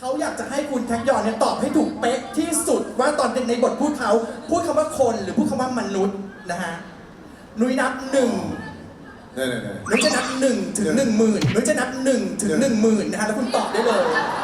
เขาอยากจะให้คุณแท็กยอนเนี่ยตอบให้ถูกเป๊ะที่สุดว่าตอนในบทพูดเขาพูดคำว่าคนหรือพูดคำว่ามนุษย์นะฮะนุ้ยนับ1นุ้ยจะนับ1 ถึง 10,000นุ้ยจะนับ1 ถึง 10,000นะฮะแล้วคุณตอบได้เลย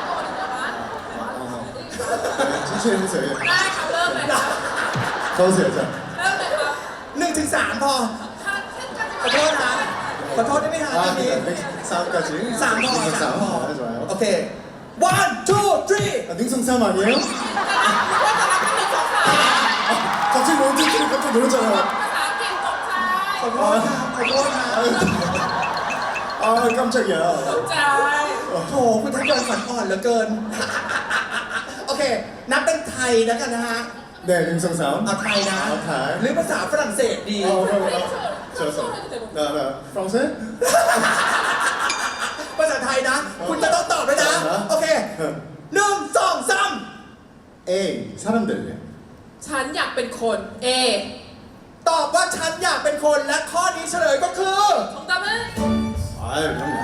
천천히 해주세요. ได้ค่ะเริ่มเลยค่ะ 가보세요, 자. เริ่มเลยครับ 1 ถึง 3พอค่ะเช่นกันขอโทษนะขอโทษได้ไหมฮะทีนี้ 싸움까지. 3พอ3พอ 네, 좋아요. โอเค 1 2 3 아, 능성 싸움 아니에요? ว่าจะรับเป็นหนึ่งสองสาม 갑자기 몬티티를 깜짝 놀랐잖아요. ภาษาอังกฤษตกใจขอโทษนะขอโทษนะ 아, 깜짝이야. ตกใจโถคุณแท็กยอนฝันอ่อนเหลือเกิน โอเค นับเป็นไทยแล้วกันนะฮะ 네, 능성 싸움. เอาไทยนะเอาไทยหรือภาษาฝรั่งเศสดี 좋았어. 나, 프랑스? ภาษาไทยนะ คุณจะต้องตอบเลยนะ โอเค 1 2 3 A, 사람들. ฉันอยากเป็นคน A ตอบว่าฉันอยากเป็นคนและข้อนี้เฉลยก็คือ 정답은 아유, 그럼요.